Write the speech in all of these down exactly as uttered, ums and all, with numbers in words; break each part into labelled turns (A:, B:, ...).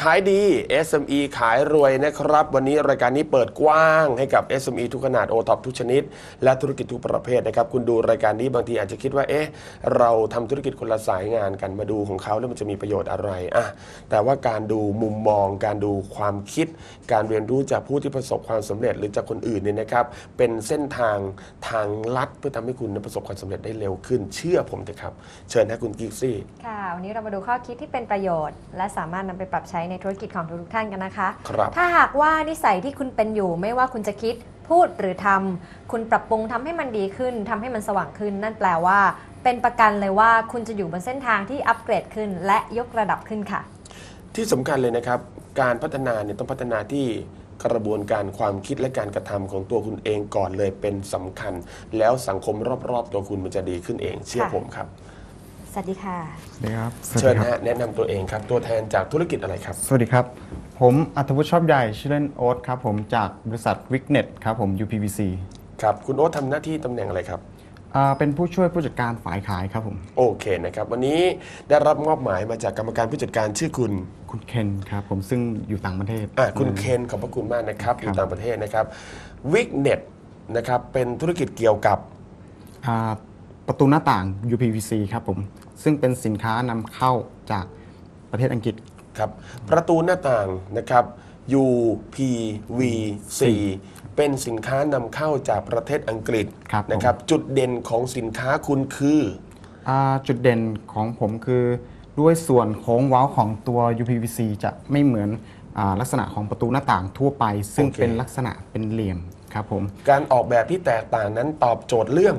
A: ขายดี เอส เอ็ม อี ขายรวยนะครับวันนี้รายการนี้เปิดกว้างให้กับ เอส เอ็ม อี ทุกขนาด โอ ท็อป ทุกชนิดและธุรกิจทุกประเภทนะครับคุณดูรายการนี้บางทีอาจจะคิดว่าเอ๊ะเราทำธุรกิจคนละสายงานกันมาดูของเขาแล้วมันจะมีประโยชน์อะไรอ่ะแต่ว่าการดูมุมมองการดูความคิดการเรียนรู้จากผู้ที่ประสบความสำเร็จหรือจากคนอื่นเนี่ยนะครับเป็นเส้นทางทางลัดเพื่อทำให้คุณประสบความสำเร็จได้เร็วขึ้นเชื่อผมเถอะครับเชิญนะคุณกิ๊กซี่
B: ค่ะวันนี้เรามาดูข้อคิดที่เป็นประโยชน์และสามารถนำไปปรับใช้ในธุรกิจของทุกท่านกันนะคะถ้าหากว่านิสัยที่คุณเป็นอยู่ไม่ว่าคุณจะคิดพูดหรือทำคุณปรับปรุงทำให้มันดีขึ้นทำให้มันสว่างขึ้นนั่นแปลว่าเป็นประกันเลยว่าคุณจะอยู่บนเส้นทางที่อัปเกรดขึ้นและยกระดับขึ้นค่ะ
A: ที่สำคัญเลยนะครับการพัฒนาเนี่ยต้องพัฒนาที่กระบวนการความคิดและการกระทำของตัวคุณเองก่อนเลยเป็นสำคัญแล้วสังคมรอบๆตัวคุณมันจะดีขึ้นเองเชื่อผมครับ
B: สวัสดีค่ะ
C: สวัสดีครับ
A: เชิญฮะแนะนำตัวเองครับตัวแทนจากธุรกิจอะไรครับ
C: สวัสดีครับผมอัธวุฒิชอบใหญ่ชื่อเล่นโอ๊ตครับผมจากบริษัทวิกเน็ตครับผม ยู พี วี ซี
A: ครับคุณโอ๊ตทำหน้าที่ตำแหน่งอะไรครับ
C: เป็นผู้ช่วยผู้จัดการฝ่ายขายครับผม
A: โอเคนะครับวันนี้ได้รับมอบหมายมาจากกรรมการผู้จัดการชื่อคุณ
C: คุณเคนครับผมซึ่งอยู่ต่างประเทศ
A: อ่ะคุณเคนขอบพระคุณมากนะครับอยู่ต่างประเทศนะครับวิกเน็ตนะครับเป็นธุรกิจเกี่ยวกับ
C: ประตูหน้าต่าง ยู พี วี ซี ครับผมซึ่งเป็นสินค้านำเข้าจากประเทศอังกฤษ
A: ครับประตูหน้าต่างนะครับ ยู พี วี ซี เป็นสินค้านำเข้าจากประเทศอังกฤษนะครับจุดเด่นของสินค้าคุณคือ
C: จุดเด่นของผมคือด้วยส่วนโค้งเว้าของตัว ยู พี วี ซี จะไม่เหมือนลักษณะของประตูหน้าต่างทั่วไปซึ่งเป็นลักษณะเป็นเหลี่ยมครับผม
A: การออกแบบที่แตกต่างนั้นตอบโจทย์เรื่อง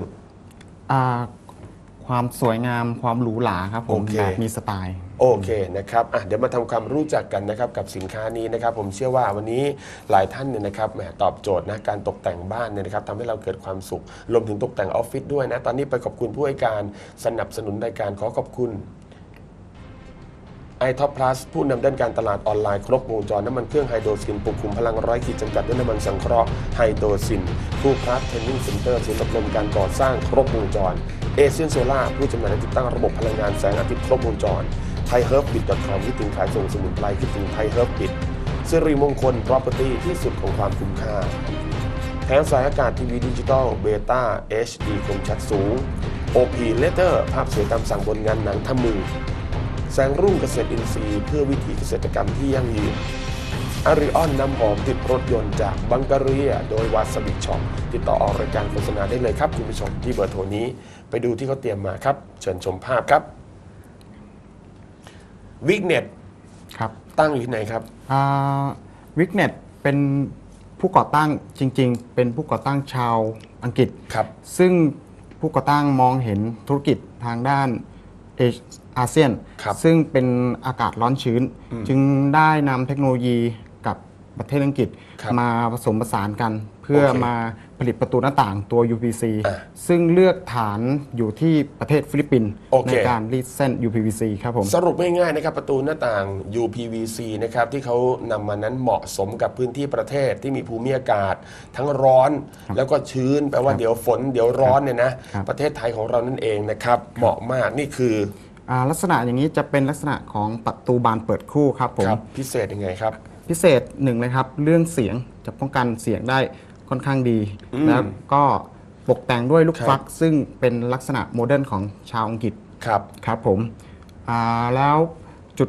C: ความสวยงามความหรูหราครับผมแบบมีสไตล์
A: โอเคนะครับอ่ะเดี๋ยวมาทำความรู้จักกันนะครับกับสินค้านี้นะครับผมเชื่อว่าวันนี้หลายท่านเนี่ยนะครับแหมตอบโจทย์นะการตกแต่งบ้านเนี่ยนะครับทำให้เราเกิดความสุขรวมถึงตกแต่งออฟฟิศด้วยนะตอนนี้ไปขอบคุณผู้ให้การสนับสนุนรายการขอขอบคุณไอท็อปพลัสผู้นำด้านการตลาดออนไลน์ครบวงจรน้ำมันเครื่องไฮโดรซินปกคุมพลังร้อยขีดจำกัดด้วยน้ำมันสังเคราะห์ไฮโดรซินผู้พลัสเทรนนิ่งเซ็นเตอร์ศูนย์อบรมการก่อสร้างครบวงจรเอเชียนโซล่าผู้จำหน่ายและติดตั้งระบบพลังงานแสงอาทิตย์ครบวงจรไทยเฮิร์บบิท .com คิดถึงขายส่งสมุนไพรคิดถึงไทยเฮิร์บบิทสิริมงคล Property ที่สุดของความคุ้มค่าแผงสายอากาศทีวีดิจิตอลเบต้า เอช ดี คมชัดสูง โอ พี Letter ภาพสวยตามสั่งบนงานหนังทำมือแสงรุ่งเกษตรอินทรีย์เพื่อวิถีเกษตรกรรมที่ยั่งยืนอาริออนน้ำหอมติดรถยนต์จากบังการีโดยวาสบิช็อปติดต่อออกรายการโฆษณาได้เลยครับคุณผู้ชมที่เบอร์โทรนี้ไปดูที่เขาเตรียมมาครับเชิญชมภาพครับวิกเน็ต
C: ครับ
A: ตั้งอยู่ที่ไหนครับ
C: วิกเน็ตเป็นผู้ก่อตั้งจริงๆเป็นผู้ก่อตั้งชาวอังกฤษ
A: ครับ
C: ซึ่งผู้ก่อตั้งมองเห็นธุรกิจทางด้านเออาเซียนซึ่งเป็นอากาศร้อนชื้นจึงได้นำเทคโนโลยีกับประเทศอังกฤษมาผสมผสานกันเพื่อมาผลิตประตูหน้าต่างตัว ยู พี ซี ซึ่งเลือกฐานอยู่ที่ประเทศฟิลิปปินส์ในการรีดเส้น ยู พี วี ซี ครับผม
A: สรุปง่ายๆนะครับประตูหน้าต่าง ยู พี วี ซี นะครับที่เขานำมานั้นเหมาะสมกับพื้นที่ประเทศที่มีภูมิอากาศทั้งร้อนแล้วก็ชื้นแปลว่าเดี๋ยวฝนเดี๋ยวร้อนเนี่ยนะประเทศไทยของเรานั่นเองนะครับเหมาะมากนี่คือ
C: ลักษณะอย่างนี้จะเป็นลักษณะของประตูบานเปิดคู่ครับผม
A: พิเศษยังไงครับ
C: พิเศษหนึ่งเลยครับเรื่องเสียงจะป้องกันเสียงได้ค่อนข้างดีแล้วก็ตกแต่งด้วยลูกฟักซึ่งเป็นลักษณะโมเดิร์นของชาวอังกฤษ
A: ครับ
C: ครับผมแล้วจุด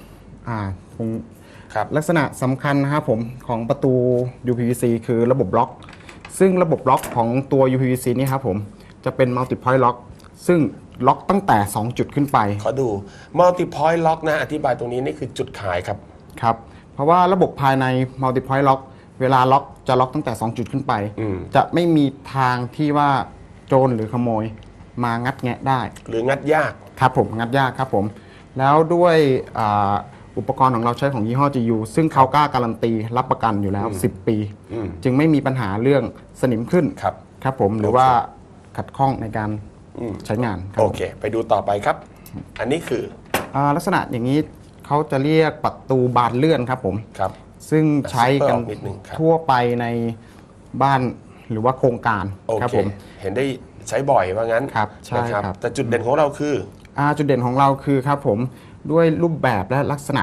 C: ลักษณะสำคัญนะครับผมของประตู ยู พี วี ซี คือระบบล็อกซึ่งระบบล็อกของตัว ยู พี วี ซี นี่ครับผมจะเป็น multi point lock ซึ่งล็อกตั้งแต่สองจุดขึ้นไป
A: ขอดู multi point lock นะอธิบายตรงนี้นี่คือจุดขายครับ
C: ครับเพราะว่าระบบภายใน multi point lock เวลาล็อกจะล็อกตั้งแต่สองจุดขึ้นไปจะไม่มีทางที่ว่าโจรหรือขโมยมางัดแงะได้
A: หรืองัดยาก
C: ครับผมงัดยากครับผมแล้วด้วยอุปกรณ์ของเราใช้ของยี่ห้อ จี ยู ซึ่งเขากล้าการันตีรับประกันอยู่แล้วสิบปีจึงไม่มีปัญหาเรื่องสนิมขึ้น
A: ครับ
C: ครับผมหรือว่าขัดข้องในการใช้งาน
A: โอเคไปดูต่อไปครับอันนี้คือ
C: ลักษณะอย่างนี้เขาจะเรียกประตูบานเลื่อนครับผม
A: ครับ
C: ซึ่งใช้กันทั่วไปในบ้านหรือว่าโครงการครับผม
A: เห็นได้ใช้บ่อยว่างั้น
C: ครับใช่ครับ
A: แต่จุดเด่นของเราคือ
C: จุดเด่นของเราคือครับผมด้วยรูปแบบและลักษณะข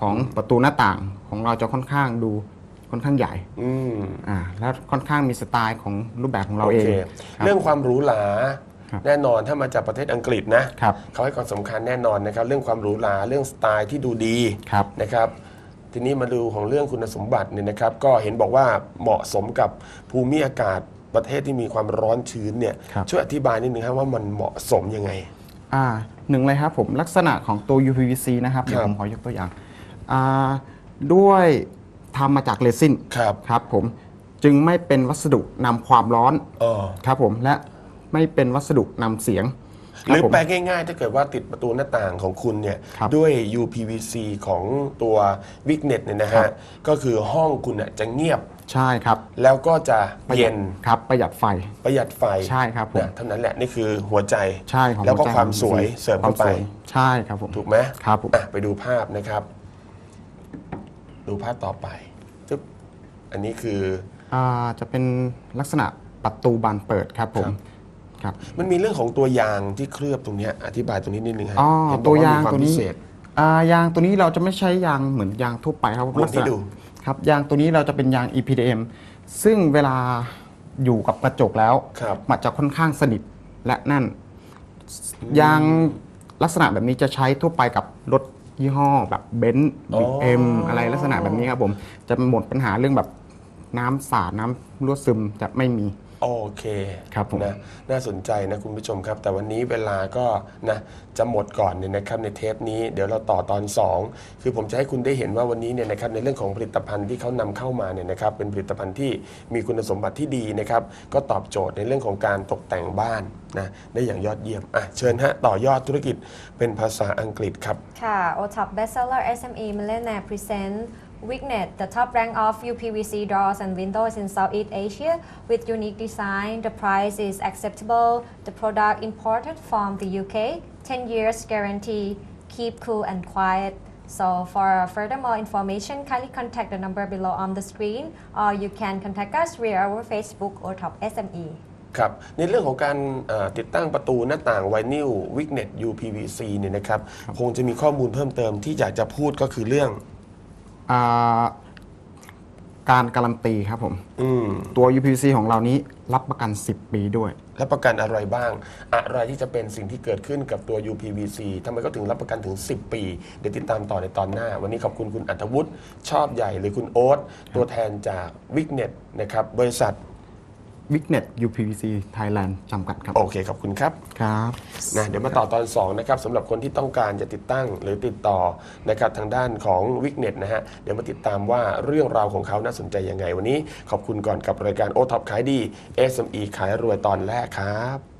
C: ของประตูหน้าต่างของเราจะค่อนข้างดูค่อนข้างใหญ่
A: อืม
C: อ่าและค่อนข้างมีสไตล์ของรูปแบบของเรา
A: โอ
C: เอ
A: เค
C: งครับ
A: เรื่องความหรูหรา
C: ครับ
A: แน่นอนถ้ามาจากประเทศอังกฤษนะครับ เขาให้ความสำคัญแน่นอนนะครับ เรื่องความหรูหราเรื่องสไตล์ที่ดูดี
C: ครับ
A: นะครับ ทีนี้มาดูของเรื่องคุณสมบัติเนี่ยนะครับ ก็เห็นบอกว่าเหมาะสมกับภูมิอากาศประเทศที่มีความร้อนชื้นเนี่ย
C: ครับ
A: ช่วยอธิบายนิดนึงครับว่ามันเหมาะสมยังไง
C: อ่าหนึ่งเลยครับผมลักษณะของตัว ยู พี วี ซี นะครับเดี๋ยว
A: ครับ
C: ผมขอยกตัวอย่างอ่าด้วยทำมาจากเรซิน
A: ครับ
C: ครับผมจึงไม่เป็นวัสดุนำความร้อน
A: อ๋อ
C: ครับผมและไม่เป็นวัสดุนำเสียง
A: หรือ
C: คบผม
A: แปลง่ายๆ ถ้าเกิดว่าติดประตูหน้าต่างของคุณเนี่ย
C: ครับ
A: ด้วย ยู พี วี ซี ของตัว Wignet เนี่ยนะ
C: ครั
A: ฮะ
C: บ
A: ก็คือห้องคุณน่ะจะเงียบ
C: ใช่ครับ
A: แล้วก็จะ
C: ประห
A: เย็
C: ยัด
A: น
C: ครับประหยัดไฟ
A: ประหยัดไฟ
C: ใช่ครับผม
A: นะเท่านั้นแหละนี่คือหัวใจ
C: ใช่ของ
A: แล้วก็
C: หัใจ
A: ความ
C: ของ
A: สวย
C: ยู พี วี ซี
A: เสริมเข้าไป
C: ควสวยใช่ครับผม
A: ถูกไหม
C: ครับผม
A: อ่ะไปดูภาพนะครับ ดูภาพต่อไปจึ๊บอันนี้คือ
C: อ่าจะเป็นลักษณะประตูบานเปิดครับผม
A: ครับ
C: ครับ
A: มันมีเรื่องของตัวยางที่เคลือบตรงเนี้ยอธิบายตรงนี้นิดนึงฮะ
C: อ๋อ
A: เห็นบ
C: ตั
A: อก
C: วยาง
A: มีค
C: ตัวนี้
A: พิเศษ
C: อ่ายางตัวนี้เราจะไม่ใช้ยางเหมือนยางทั่วไปครับ
A: หมุน
C: ลักษ
A: ให้
C: ณะ
A: ดู
C: ครับยางตัวนี้เราจะเป็นยาง อี พี ดี เอ็ม ซึ่งเวลาอยู่กับกระจกแล้ว
A: ครับ
C: มันจะค่อนข้างสนิทและแน่น ยางลักษณะแบบนี้จะใช้ทั่วไปกับรถยี่ห้อแบบเบนซ์
A: อ๋อ
C: บี เอ็ม อะไรลักษณะแบบนี้ครับผมจะหมดปัญหาเรื่องแบบน้ำสาดน้ำรั่วซึมจะไม่มี
A: โอเค
C: ครับผม
A: นะน่าสนใจนะคุณผู้ชมครับ แต่วันนี้เวลาก็นะจะหมดก่อนเนี่ยนะครับในเทปนี้เดี๋ยวเราต่อตอนสองคือผมจะให้คุณได้เห็นว่าวันนี้เนี่ยนะครับในเรื่องของผลิตภัณฑ์ที่เขานำเข้ามาเนี่ยนะครับเป็นผลิตภัณฑ์ที่มีคุณสมบัติที่ดีนะครับก็ตอบโจทย์ในเรื่องของการตกแต่งบ้านนะได้อย่างยอดเยี่ยมอ่ะเชิญฮะต่อยอดธุรกิจเป็นภาษาอังกฤษครับ
B: ค่ะ โอ ท็อป Bestseller เอส เอ็ม อี Millionaire Present Wignet, the top rank of ยู พี วี ซี doors and windows in Southeast Asia with unique design. The price is acceptable. The product imported from the U K. ten years guarantee. Keep cool and quiet. So for further more information, kindly contact the number below on the screen or you can contact us via our Facebook โอ ท็อป เอส เอ็ม อี
A: ครับในเรื่องของการเอ่อติดตั้งประตูหน้าต่างไวนิล Wignet ยู พี วี ซี เนี่ยนะครับคงจะมีข้อมูลเพิ่มเติมที่อยากจะพูดก็คือเรื่อง
C: อ่าการการันตีครับผม
A: อืม
C: ตัว ยู พี วี ซี ของเรานี้รับประกัน สิบ ปีด้วย
A: รับประกันอะไรบ้าง อะไรที่จะเป็นสิ่งที่เกิดขึ้นกับตัว ยู พี วี ซี ทำไมก็ถึงรับประกันถึง สิบ ปี เดี๋ยวติดตามต่อในตอนหน้า วันนี้ขอบคุณคุณอัธวุฒิชอบใหญ่หรือคุณโอ๊ตตัวแทนจาก Wignet นะครับบริษัท
C: Wignet ยู พี วี ซี Thailand จำกัดครับ
A: โอเคขอบคุณครับ
C: ครับ
A: นะเดี๋ยวมาต่อตอนสองนะครับสำหรับคนที่ต้องการจะติดตั้งหรือติดต่อนะครับทางด้านของ Wignet นะฮะเดี๋ยวมาติดตามว่าเรื่องราวของเขาน่าสนใจยังไงวันนี้ขอบคุณก่อนกับรายการโอท็อปขายดี เอส เอ็ม อี ขายรวยตอนแรกครับ